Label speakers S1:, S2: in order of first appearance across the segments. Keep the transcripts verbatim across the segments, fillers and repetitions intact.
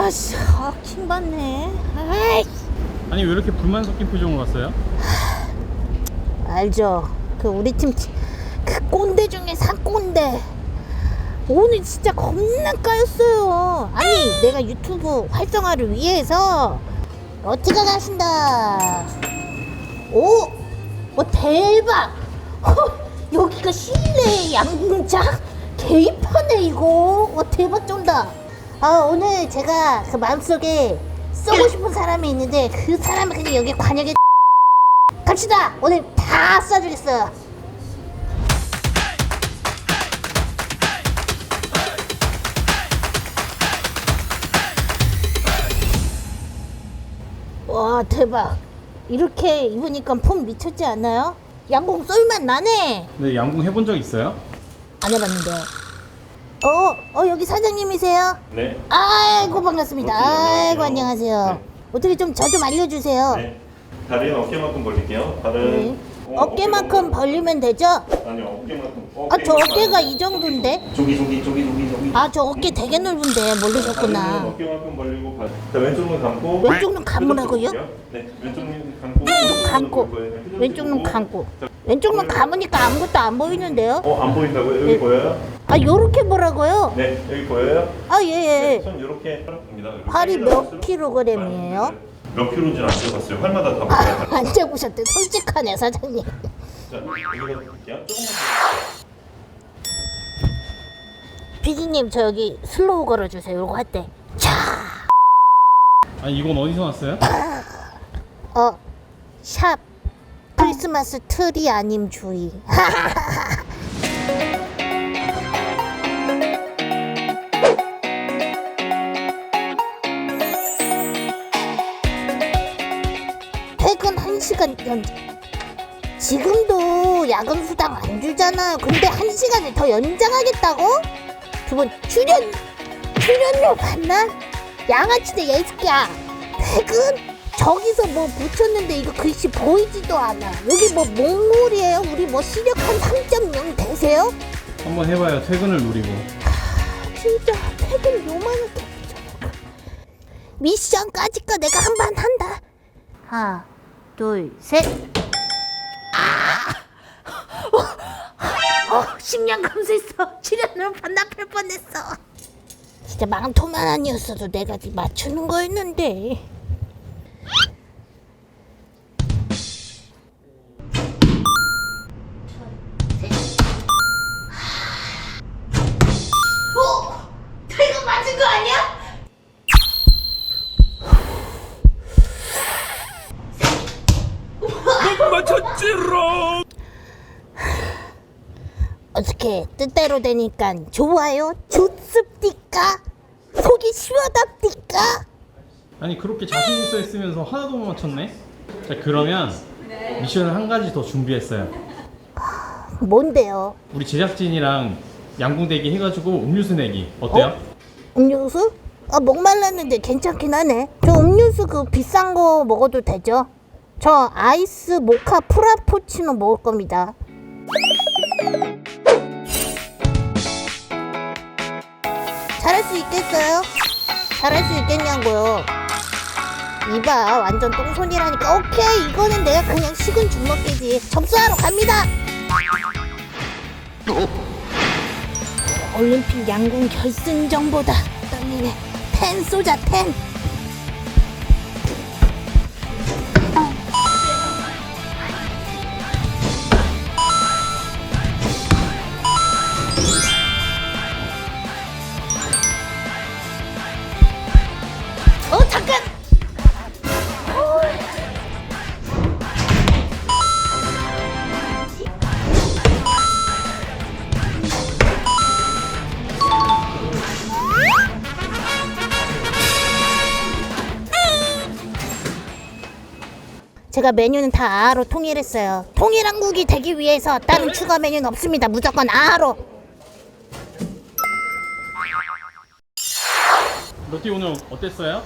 S1: 아씨, 아, 킹받네. 아이씨.
S2: 아니 왜 이렇게 불만 섞인 표정으로 갔어요?
S1: 알죠. 그 우리 팀 그 꼰대 중에 사꼰대. 오늘 진짜 겁나 까였어요. 아니 내가 유튜브 활성화를 위해서 어떻게 가신다. 오, 오 대박. 허, 여기가 실내 양궁장 개입하네 이거. 와 대박 쩐다. 아 오늘 제가 그 마음속에 쏘고 싶은 사람이 있는데 그 사람을 그냥 여기 관역에 갑시다. 오늘 다 쏴주겠어요. 와 대박. 이렇게 입으니까 폼 미쳤지 않나요? 양궁 쏠만 나네.
S2: 네, 양궁 해본 적 있어요?
S1: 안 해봤는데요. 어, 어 여기 사장님이세요?
S3: 네.
S1: 아이고 반갑습니다.
S3: 어, 네,
S1: 아이고
S3: 안녕하세요.
S1: 안녕하세요.
S3: 네.
S1: 어떻게 좀 저 좀 알려주세요.
S3: 네. 다리는 어깨만큼 벌릴게요. 발은
S1: 네.
S3: 어,
S1: 어깨만큼 벌리면 되죠?
S3: 아니요, 어깨만큼.
S1: 아 저 어깨가 이 정도인데?
S3: 저기 저기 저기 저기 저기.
S1: 아 저 어깨 되게 넓은데
S3: 다리는
S1: 모르셨구나.
S3: 어깨만큼 벌리고 발. 자, 왼쪽 눈 감고.
S1: 왼쪽 눈 감으라고요?
S3: 네, 왼쪽 눈 감고.
S1: 눈 감고
S3: 왼쪽
S1: 왼쪽 눈 감고 왼쪽 눈 감으니까 아무것도 안 보이는데요?
S3: 어, 안 보인다고요? 여기
S1: 네.
S3: 보여요?
S1: 아 요렇게 보라고요?
S3: 네, 여기 보여요?
S1: 아 예예.
S3: 손 이렇게 봅니다.
S1: 팔이 몇 킬로그램이에요?
S3: 몇 킬로인지는 안 재봤어요. 활마다 다 몰라요.
S1: 안 재보셨대. 솔직하네 사장님.
S3: 자, 여기가 볼게요. 조금만
S1: 피디님 저 여기 슬로우 걸어주세요. 요거 할 때. 자.
S2: 아니 이건 어디서 났어요?
S1: 어. 샵. 크리스마스 트리 아님 주의. 퇴근 한 시간 연장. 지금도 야근 수당 안 주잖아요. 근데 한 시간을 더 연장하겠다고? 두 번 출연 출연료 받나? 양아치네 얘 새끼야. 퇴근? 저기서 뭐 붙였는데 이거 글씨 보이지도 않아. 여기 뭐 몽골이에요? 우리 뭐 시력 한 삼 점 영 되세요?
S2: 한번 해봐요. 퇴근을 노리고.
S1: 진짜 퇴근 요만하게 미션까지 거 내가 한 번 한다. 하나 둘 셋. 어, 식량 감소했어. 출연료 반납할 뻔했어. 진짜 망토만 아니었어도 내가 맞추는 거였는데. 어? 퇴근 맞은 거 아니야?
S2: 맞췄지롱.
S1: 어떻게 뜻대로 되니까 좋아요? 좋습니까? 속이 시원합니까?
S2: 아니 그렇게 자신 있어 했으면서 하나도 못 맞췄네. 자 그러면 미션을 한 가지 더 준비했어요.
S1: 뭔데요?
S2: 우리 제작진이랑 양궁 대기 해가지고 음료수 내기 어때요?
S1: 어? 음료수? 아 목말랐는데 괜찮긴 하네. 저 음료수 그 비싼 거 먹어도 되죠? 저 아이스 모카 프라푸치노 먹을 겁니다. 잘할 수 있겠어요? 잘할 수 있겠냐고요. 이봐 완전 똥손이라니까. 오케이 이거는 내가 그냥 식은 죽 먹기지. 접수하러 갑니다. 올림픽 양궁 결승전보다 떨리네. 텐 쏘자 텐. 어 잠깐. 제가 메뉴는 다 아로 통일했어요. 통일한국이 되기 위해서 다른 추가 메뉴는 없습니다. 무조건 아로.
S2: 로티 오늘 어땠어요?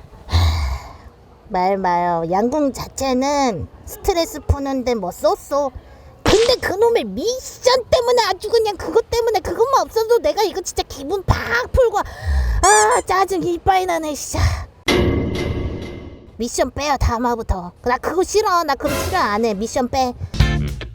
S1: 말 마요. 양궁 자체는 스트레스 푸는데 뭐 쏘쏘. 근데 그놈의 미션 때문에 아주 그냥 그것 때문에 그것만 없어도 내가 이거 진짜 기분 팍 풀고 아 짜증이 이빠이 나네 진짜. 미션 빼요 다음화부터. 나 그거 싫어. 나 그거 싫어 안 해. 미션 빼.